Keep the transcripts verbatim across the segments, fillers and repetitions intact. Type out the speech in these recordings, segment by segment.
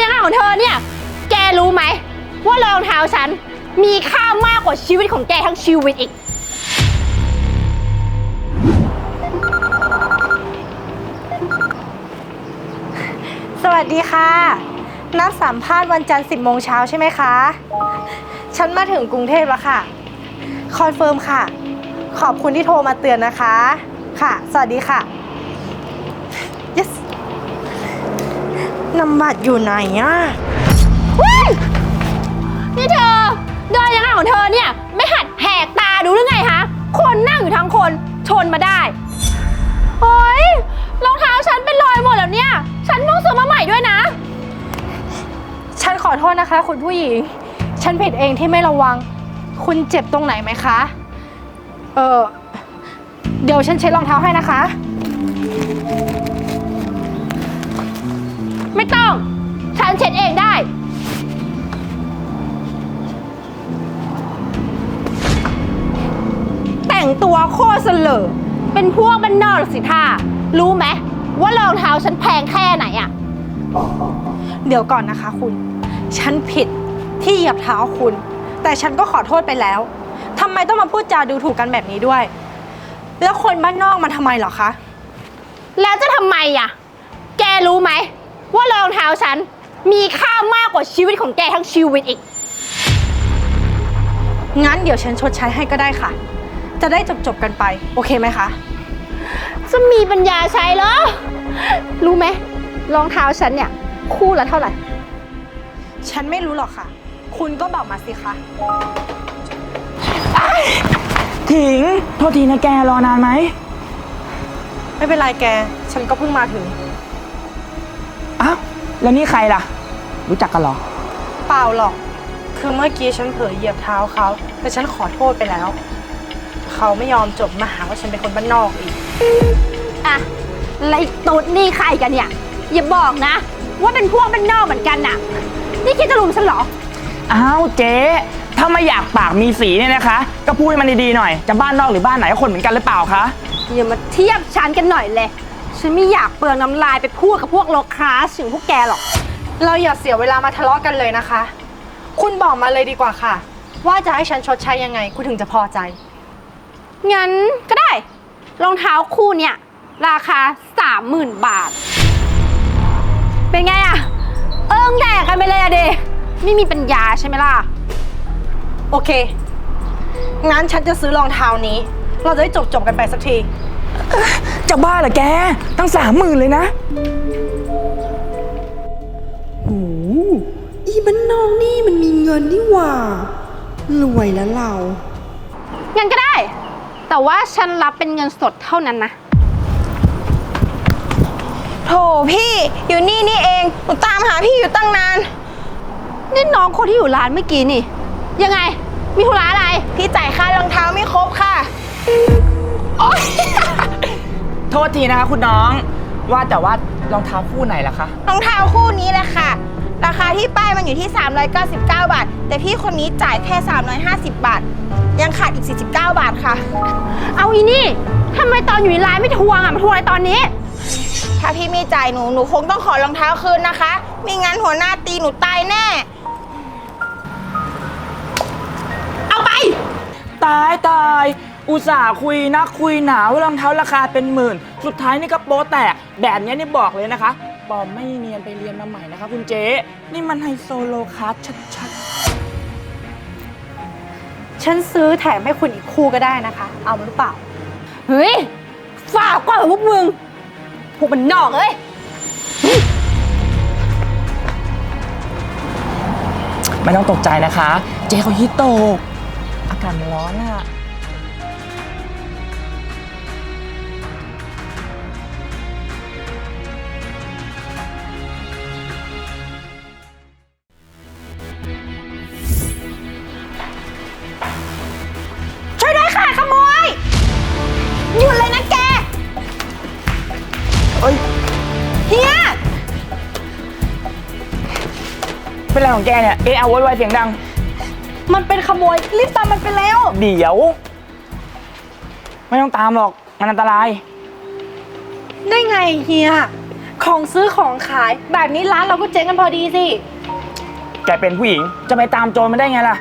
ยังไงของเธอเนี่ยแกรู้ไหมว่ารองเท้าฉันมีค่ามากกว่าชีวิตของแกทั้งชีวิตอีกสวัสดีค่ะนัดสัมภาษณ์วันจันทร์สิบโมงเช้าใช่ไหมคะฉันมาถึงกรุงเทพแล้วค่ะคอนเฟิร์มค่ะขอบคุณที่โทรมาเตือนนะคะค่ะสวัสดีค่ะ yes นำบัตรอยู่ไหนอ่ะนี่เธอเดินยังไงของเธอเนี่ยไม่หัดแหกตาดูหรือไงคะคนนั่งอยู่ทั้งคนชนมาได้โอ๊ยรองเท้าฉันเป็นรอยหมดแล้วเนี่ยฉันต้องซื้อมาใหม่ด้วยนะฉันขอโทษนะคะคุณผู้หญิงฉันผิดเองที่ไม่ระวังคุณเจ็บตรงไหนไหมคะเออเดี๋ยวฉันเช็ดรองเท้าให้นะคะไม่ต้องฉันเช็ดเองได้แต่งตัวโคตรเสลอเป็นพวกบ้านนอกหรอกสิท่ารู้ไหมว่ารองเท้าฉันแพงแค่ไหนอะเดี๋ยวก่อนนะคะคุณฉันผิดที่เหยียบเท้าคุณแต่ฉันก็ขอโทษไปแล้วทำไมต้องมาพูดจาดูถูกกันแบบนี้ด้วยแล้วคนบ้านนอกมันทำไมเหรอคะแล้วจะทำไมอะแกรู้ไหมว่ารองเท้าฉันมีค่ามากกว่าชีวิตของแกทั้งชีวิตอีกงั้นเดี๋ยวฉันชดใช้ให้ก็ได้ค่ะจะได้จบๆกันไปโอเคไหมคะจะมีปัญญาใช้เหรอรู้ไหมรองเท้าฉันเนี่ยคู่ละเท่าไหร่ฉันไม่รู้หรอกค่ะคุณก็บอกมาสิคะถิงโทษทีนะแกรอนานไหมไม่เป็นไรแกฉันก็เพิ่งมาถึงอ้าวแล้วนี่ใครล่ะรู้จักกันเหรอเปล่าหรอกคือเมื่อกี้ฉันเผลอเหยียบเท้าเขาแต่ฉันขอโทษไปแล้วเขาไม่ยอมจบมาหาว่าฉันเป็นคนบ้านนอกอีกอะแล้วไอ้ตุ๊ดนี่ใครกันเนี่ยอย่าบอกนะว่าเป็นพวกบ้านนอกเหมือนกันน่ะนี่คิดจะลุมฉันเหรออ้าวเจ๊ถ้าไม่อยากปากมีสีเนี่ยนะคะก็พูดให้มันดีๆหน่อยจะบ้านนอกหรือบ้านไหนก็คนเหมือนกันหรือเปล่าคะอย่ามาเทียบฉันกันหน่อยเลยฉันไม่อยากเปลืองน้ำลายไปพูดกับพวกโลคลาสอย่างพวกแกหรอกเราอย่าเสียเวลามาทะเลาะกันเลยนะคะคุณบอกมาเลยดีกว่าค่ะว่าจะให้ฉันชดใช้ยังไงคุณถึงจะพอใจงั้นก็ได้รองเท้าคู่เนี่ยราคาสามหมื่นบาทเป็นไงอะเอิ้งแดกกันไปเลยอะเดไม่มีปัญญาใช่ไหมล่ะโอเคงั้นฉันจะซื้อรองเท้านี้เราจะได้จบจบกันไปสักทีจะบ้าเหรอแกตั้งสามหมื่นเลยนะโอ้อีบ้านนอกนี่มันมีเงินนี่หว่ารวยแล้วเรางั้นก็ได้แต่ว่าฉันรับเป็นเงินสดเท่านั้นนะโถพี่อยู่นี่นี่เองหนูตามหาพี่อยู่ตั้งนานนี่น้องคนที่อยู่ร้านเมื่อกี้นี่ยังไงมีธุระอะไรพี่จ่ายค่ารองเท้าไม่ครบค่ะโอ๊ยโทษทีนะคะคุณน้องว่าแต่ว่ารองเท้าคู่ไหนล่ะคะรองเท้าคู่นี้แหละค่ะราคาที่ป้ายมันอยู่ที่สามร้อยเก้าสิบเก้าบาทแต่พี่คนนี้จ่ายแค่สามร้อยห้าสิบบาทยังขาดอีกสี่สิบเก้าบาทค่ะเอาอีนี่ทำไมตอนอยู่ในร้านไม่ทวงอ่ะมาทวงอะไรตอนนี้ถ้าพี่ไม่จ่ายหนูหนูคงต้องขอรองเท้าคืนนะคะไม่งั้นหัวหน้าตีหนูตายแน่เอาไปตายตายอุตส่าห์คุยนักคุยหนาวรองเท้าราคาเป็นหมื่นสุดท้ายนี่ก็โป๊แตกแบบนี้นี่บอกเลยนะคะปอมไม่เนียนไปเรียนมาใหม่นะคะคุณเจ๊นี่มันไฮโซโลคาร์ชัดๆฉันซื้อแถมให้คุณอีกคู่ก็ได้นะคะเอาหรือเปล่าเฮ้ยฝากกว่าพวกมึงพวกมันนอกเอ้ยไม่ต้องตกใจนะคะเจ๊เขาฮิตโตกอากาศมันร้อนอะ เป็นอะไรของแกเนี่ยเอเอาไว้ไวเสียงดังมันเป็นขโมยรีบตามมันไปแล้วเดี๋ยวไม่ต้องตามหรอกมันอันตรายได้ไงเฮียของซื้อของขายแบบนี้ร้านเราก็เจ๊งกันพอดีสิแกเป็นผู้หญิงจะไปตามโจรมาได้ไงล่ะ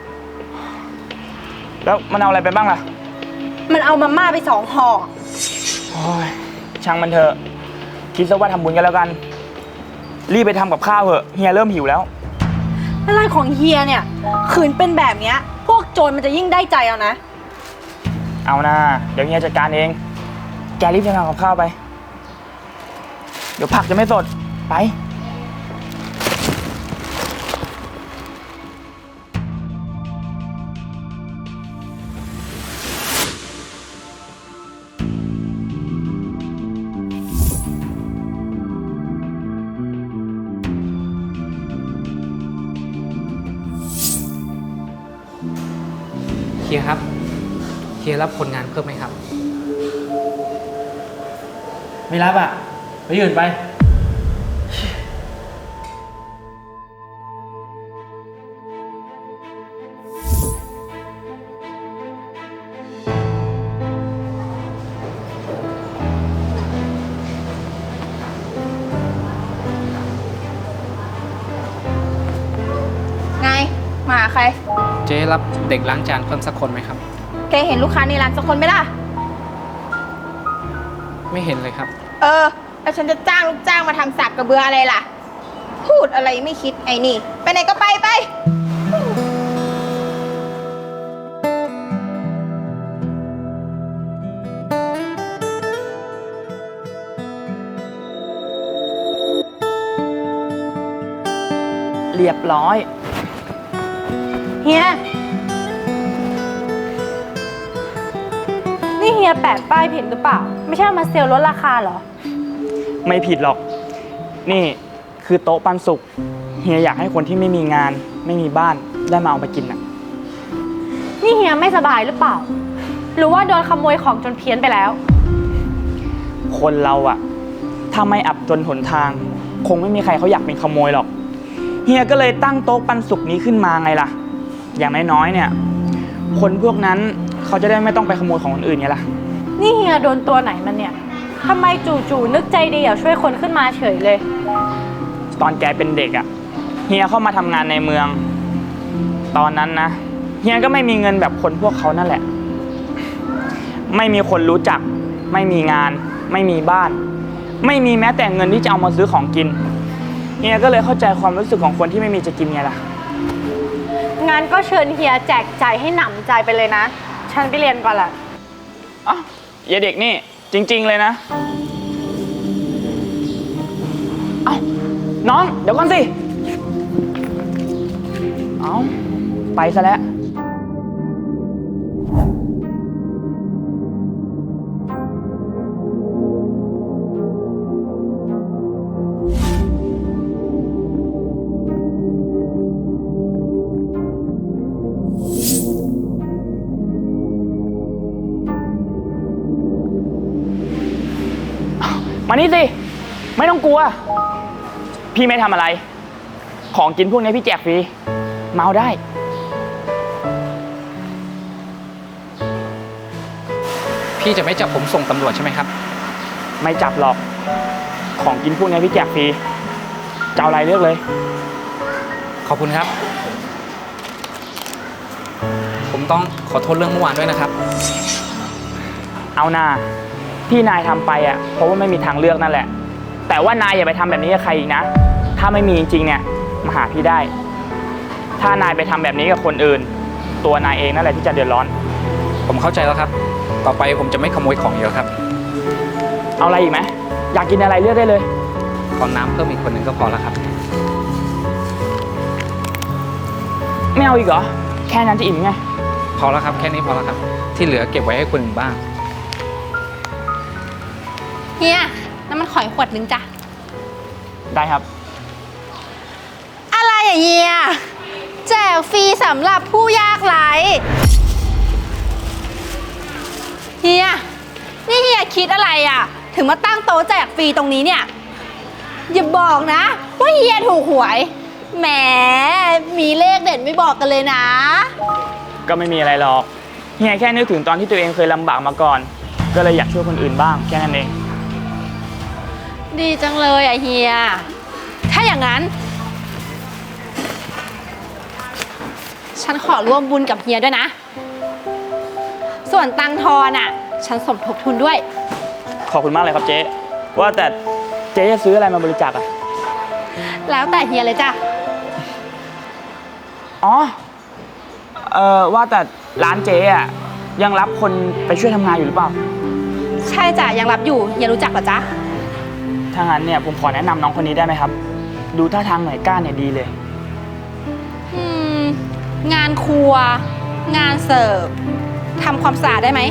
แล้วมันเอาอะไรไปบ้างล่ะมันเอามาม่าไปสองห่อโอ้ยช่างมันเถอะ คิดซะว่าทำบุญกันแล้วกัน รีบไปทำกับข้าวเถอะเฮียเริ่มหิวแล้วอะไรของเฮียเนี่ยขืนเป็นแบบเนี้ยพวกโจรมันจะยิ่งได้ใจเอานะเอานะเดี๋ยวเฮียจัดการเอง แกรีบไปทำกับข้าวไป เดี๋ยวผักจะไม่สด ไปเฮียครับ เฮียรับคนงานเพิ่มไหมครับไม่รับอ่ะ ไปยืนไปไง มาหาใครเจ๊รับเด็กล้างจานเพิ่มสักคนไหมครับแกเห็นลูกค้าในร้านสักคนไหมล่ะไม่เห็นเลยครับเออ แล้วฉันจะจ้างลูกจ้างมาทำสักกระเบืออะไรล่ะ พูดอะไรไม่คิดไอ้นี่ ไปไหนก็ไปไปเรียบร้อยเฮีย นี่เฮียแปะป้ายผิดหรือเปล่า ไม่ใช่เอามาเซลล์ลดราคาเหรอไม่ผิดหรอก นี่คือโต๊ะปันสุก เฮียอยากให้คนที่ไม่มีงาน ไม่มีบ้านได้มาเอาไปกินน่ะนี่เฮียไม่สบายหรือเปล่า หรือว่าโดนขโมยของจนเพี้ยนไปแล้วคนเราอะถ้าไม่อับจนหนทาง คงไม่มีใครเขาอยากเป็นขโมยหรอก เฮียก็เลยตั้งโต๊ะปันสุกนี้ขึ้นมาไงล่ะ อย่างน้อยๆเนี่ย คนพวกนั้นเขาจะได้ไม่ต้องไปขโมยของคนอื่นไงล่ะนี่เฮียโดนตัวไหนมันเนี่ยทำไมจู่ๆนึกใจดีอยากช่วยคนขึ้นมาเฉยเลยตอนแกเป็นเด็กอะเฮียเข้ามาทำงานในเมือง ตอนนั้นนะเฮียก็ไม่มีเงินแบบคนพวกเขานั่นแหละ ไม่มีคนรู้จัก ไม่มีงาน ไม่มีบ้าน ไม่มีแม้แต่เงินที่จะเอามาซื้อของกินเฮียก็เลยเข้าใจความรู้สึกของคนที่ไม่มีจะกินไงล่ะงานก็เชิญเฮียแจกจ่ายให้หนำใจไปเลยนะ ฉันไปเรียนก่อนละอ้าวอย่าเด็กนี่จริง ๆเลยนะ เอ้าน้องเดี๋ยวก่อนสิ เอ้าไปซะแล้ว มานี่สิ ไม่ต้องกลัว พี่ไม่ทำอะไร ของกินพวกนี้พี่แจกฟรีเมาได้พี่จะไม่จับผมส่งตำรวจใช่ไหมครับไม่จับหรอก ของกินพวกนี้พี่แจกฟรีจะเอาอะไรเลือกเลยขอบคุณครับ ผมต้องขอโทษเรื่องเมื่อวานด้วยนะครับเอานาที่นายทำไปอ่ะเพราะว่าไม่มีทางเลือกนั่นแหละ แต่ว่านายอย่าไปทำแบบนี้กับใครอีกนะ ถ้าไม่มีจริงๆเนี่ยมาหาพี่ได้ ถ้านายไปทำแบบนี้กับคนอื่น ตัวนายเองนั่นแหละที่จะเดือดร้อนผมเข้าใจแล้วครับ ต่อไปผมจะไม่ขโมยของอีกแล้วครับเอาอะไรอีกไหมอยากกินอะไรเลือกได้เลยขอน้ำเพิ่มอีกคนหนึ่งก็พอแล้วครับไม่เอาอีกเหรอแค่นั้นจะอิ่มไงพอแล้วครับ แค่นี้พอแล้วครับ ที่เหลือเก็บไว้ให้คนอื่นบ้างเฮียน้ำมันขอยขวดนึงจ้ะได้ครับอะไรอ่ะเฮีย แจกฟรีสำหรับผู้ยากไร้เฮีย นี่เฮียคิดอะไรอ่ะ ถึงมาตั้งโต๊ะแจกฟรีตรงนี้เนี่ย อย่าบอกนะ ว่าเฮียถูกหวย แหม มีเลขเด่นไม่บอกกันเลยนะก็ไม่มีอะไรหรอกเฮียแค่นึกถึงตอนที่ตัวเองเคยลำบากมาก่อน ก็เลยอยากช่วยคนอื่นบ้างแค่นั้นเองดีจังเลยอะเฮีย ถ้าอย่างนั้น ฉันขอร่วมบุญกับเฮียด้วยนะ ส่วนตังทอนอะฉันสมทบทุนด้วยขอบคุณมากเลยครับเจ๊ว่าแต่เจ๊จะซื้ออะไรมาบริจาคอะแล้วแต่เฮียเลยจ้ะอ๋อเออว่าแต่ร้านเจ๊อะยังรับคนไปช่วยทำงานอยู่หรือเปล่าใช่จ้ะยังรับอยู่เฮียรู้จักเหรอจ๊ะถ้างั้นเนี่ยผมขอแนะนำน้องคนนี้ได้ไหมครับ ดูท่าทางหน่วยก้านเนี่ยดีเลยอืม งานครัว งานเสิร์ฟทำความสะอาดได้ไหม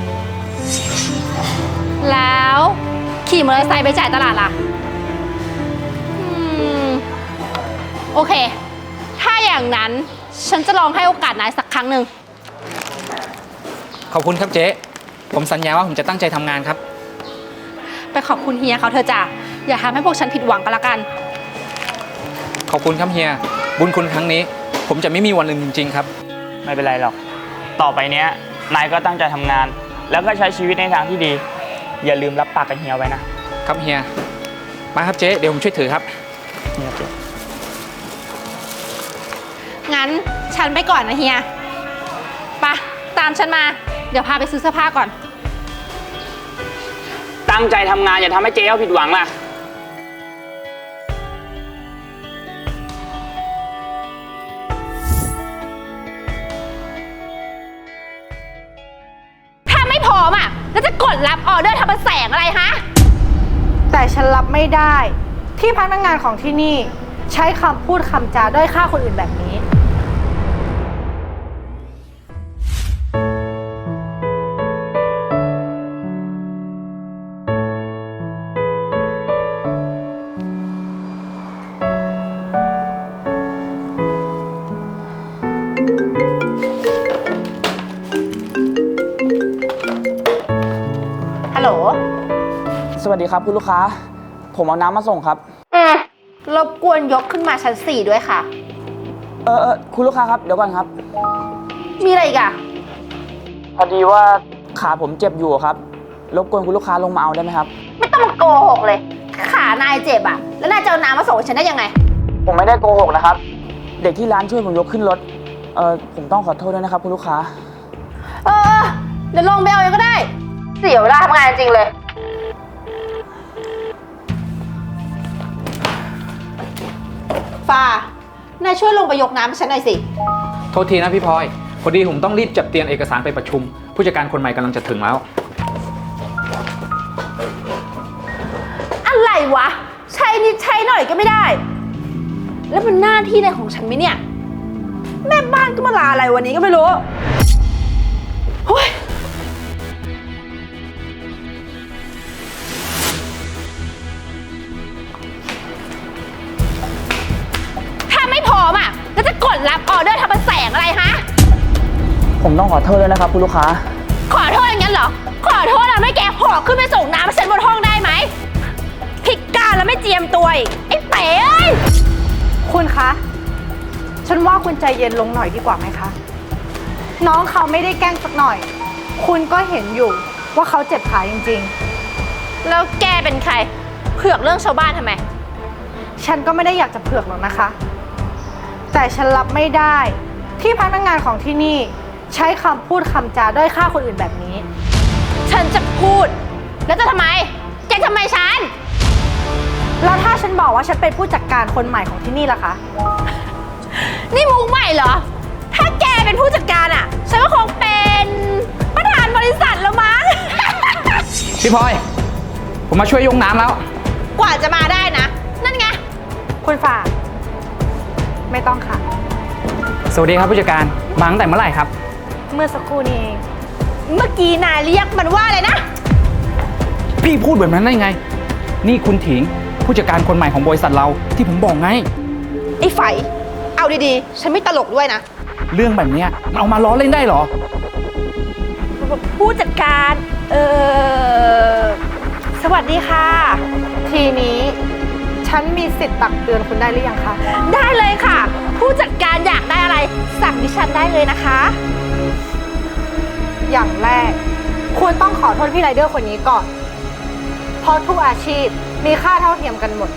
แล้วขี่มอเตอร์ไซค์ไปจ่ายตลาดล่ะ อืม โอเค ถ้าอย่างนั้นฉันจะลองให้โอกาสนายสักครั้งหนึ่งขอบคุณครับเจ๊ ผมสัญญาว่าผมจะตั้งใจทำงานครับไปขอบคุณเฮียเขาเธอะจ้ะ อย่าทำให้พวกฉันผิดหวังก็แล้วกันขอบคุณครับเฮีย บุญคุณครั้งนี้ ผมจะไม่มีวันลืมจริงๆครับไม่เป็นไรหรอก ต่อไปเนี้ยนายก็ตั้งใจทำงาน แล้วก็ใช้ชีวิตในทางที่ดี อย่าลืมรับปากกับเฮียไว้นะครับเฮีย มาครับเจ๊ เดี๋ยวผมช่วยถือครับนี่ครับเจ๊งั้นฉันไปก่อนนะเฮียไปะตามฉันมา เดี๋ยวพาไปซื้อเสื้อผ้าก่อนตั้งใจทำงานอย่าทำให้เจ๊เขาผิดหวังล่ะถ้าไม่พร้อมอ่ะแล้วจะกดรับออเดอร์ทำเป็นแสงอะไรฮะแต่ฉันรับไม่ได้ ที่พนักงานของที่นี่ ใช้คำพูดคำจาด้อยค่าคนอื่นแบบนี้ ฮัลโหลสวัสดีครับคุณลูกค้า ผมเอาน้ำมาส่งครับอืมรบกวนยกขึ้นมาชั้นสี่ด้วยค่ะเออเออคุณลูกค้าครับ เดี๋ยวก่อนครับมีอะไรอีกอะพอดีว่าขาผมเจ็บอยู่ครับ รบกวนคุณลูกค้าลงมาเอาได้ไหมครับไม่ต้องมาโกหกเลย ขานายเจ็บอะแล้วนายจะเอาน้ำมาส่งให้ฉันได้ยังไงผมไม่ได้โกหกนะครับ เด็กที่ร้านช่วยผมยกขึ้นรถ เออผมต้องขอโทษด้วยนะครับคุณลูกค้าเออ เดี๋ยวลงไปเอาเองก็ได้ เสียเวลาทำงานจริงเลยฟ้านายช่วยลงไปยกน้ำให้ฉันหน่อยสิโทษทีนะพี่พลอย พอดีผมต้องรีบจัดเตรียมเอกสารไปประชุม ผู้จัดการคนใหม่กำลังจะถึงแล้วอะไรวะ ใช้นิดใช้หน่อยก็ไม่ได้ แล้วมันหน้าที่ในของฉันไหมเนี่ย แม่บ้านก็มาลาอะไรวันนี้ก็ไม่รู้เฮ้ยถ้าไม่พร้อมอ่ะแล้วจะกดรับออเดอร์ทำเป็นแสงอะไรฮะผมต้องขอโทษด้วยนะครับคุณลูกค้าขอโทษอย่างนั้นเหรอ ขอโทษแล้วไม่แกหอกขึ้นไปส่งน้ำให้ฉันบนห้องได้ไหมพิการแล้วไม่เจียมตัวอีกไอ้เป๋เอ้ยคุณคะ ฉันว่าคุณใจเย็นลงหน่อยดีกว่าไหมคะ น้องเขาไม่ได้แกล้งสักหน่อย คุณก็เห็นอยู่ว่าเขาเจ็บขาจริงแล้วแกเป็นใคร เผือกเรื่องชาวบ้านทำไมๆ ฉันก็ไม่ได้อยากจะเผือกหรอกนะคะ แต่ฉันรับไม่ได้ ที่พนักงานของที่นี่ ใช้คำพูดคำจาด้อยค่าคนอื่นแบบนี้ฉันจะพูด แล้วจะทำไม แกทำไมฉันแล้วถ้าฉันบอกว่าฉันเป็นผู้จัดการคนใหม่ของที่นี่ล่ะคะนี่มุกใหม่เหรอ ถ้าแกเป็นผู้จัดการอ่ะ ฉันก็คงเป็นประธานบริษัทแล้วมั้งพี่พลอย ผมมาช่วยยกน้ำแล้วกว่าจะมาได้นะ นั่นไงคุณฝ่าไม่ต้องค่ะสวัสดีครับผู้จัดการ มาตั้งแต่เมื่อไหร่ครับเมื่อสักครู่นี้เองเมื่อกี้นายเรียกมันว่าอะไรนะพี่พูดแบบนั้นได้ไง นี่คุณถิงผู้จัดการคนใหม่ของบริษัทเราที่ผมบอกไงไอ้ไฝ เอาดีๆ ฉันไม่ตลกด้วยนะเรื่องแบบเนี้ยมันเอามาล้อเล่นได้เหรอผู้จัดการ เออสวัสดีค่ะทีนี้ ฉันมีสิทธิ์ตักเตือนคุณได้หรือยังคะได้เลยค่ะ ผู้จัดการอยากได้อะไร สั่งดิฉันได้เลยนะคะอย่างแรก คุณต้องขอโทษพี่ไรเดอร์คนนี้ก่อน เพราะทุกอาชีพมีค่าเท่าเทียมกันหมด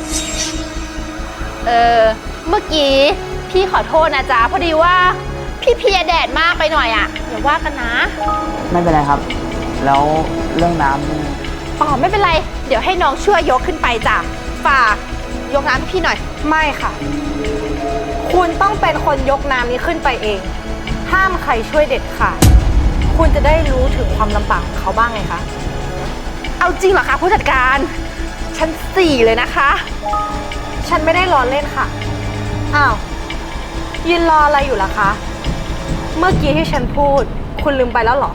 เออ เมื่อกี้พี่ขอโทษนะจ๊ะ พอดีว่าพี่เพลียแดดมากไปหน่อยอะอย่าว่ากันนะไม่เป็นไรครับ แล้วเรื่องน้ำนี่อ๋อไม่เป็นไร เดี๋ยวให้น้องช่วยยกขึ้นไปจ้ะฝากยกน้ำให้พี่หน่อยไม่ค่ะ คุณต้องเป็นคนยกน้ำนี้ขึ้นไปเอง ห้ามใครช่วยเด็ดขาด คุณจะได้รู้ถึงความลำบากของเขาบ้างไงคะเอาจริงเหรอคะผู้จัดการชั้นสี่เลยนะคะฉันไม่ได้ล้อเล่นค่ะ อ้าว ยืนรออะไรอยู่ล่ะคะ เมื่อกี้ที่ฉันพูด คุณลืมไปแล้วเหรอ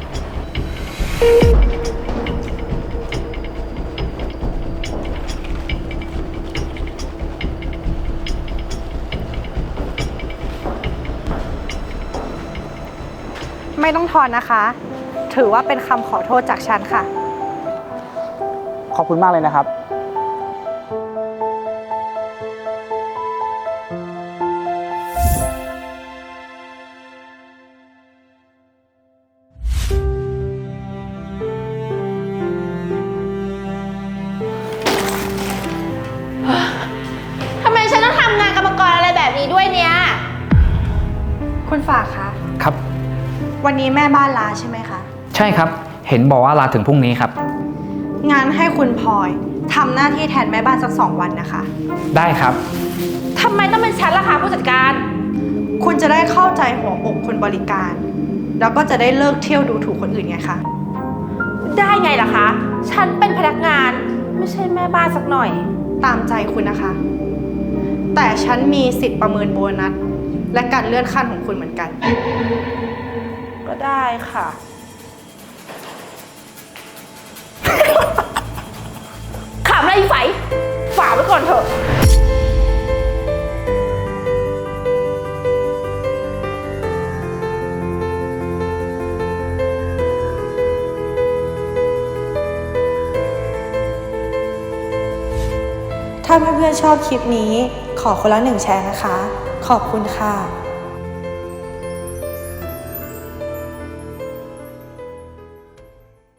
ไม่ต้องทอนนะคะ ถือว่าเป็นคำขอโทษจากฉันค่ะขอบคุณมากเลยนะครับทำไมฉันต้องทำงานกรรมกรอะไรแบบนี้ด้วยเนี่ยคุณฝากคะครับวันนี้แม่บ้านลาใช่ไหมคะใช่ครับ เห็นบอกว่าลาถึงพรุ่งนี้ครับงานให้คุณพลอยทำหน้าที่แทนแม่บ้านสักสองวันนะคะได้ครับทำไมต้องเป็นฉันล่ะคะผู้จัดการคุณจะได้เข้าใจหัวอกคนบริการ แล้วก็จะได้เลิกเที่ยวดูถูกคนอื่นไงคะได้ไงล่ะคะ ฉันเป็นพนักงาน ไม่ใช่แม่บ้านสักหน่อยตามใจคุณนะคะ แต่ฉันมีสิทธิ์ประเมินโบนัส และการเลื่อนขั้นของคุณเหมือนกันก็ได้ค่ะ ขำอะไรอีไฝฝากไว้ก่อนเถอะถ้าเพื่อนๆชอบคลิปนี้ ขอคนละหนึ่งแชร์นะคะ ขอบคุณค่ะ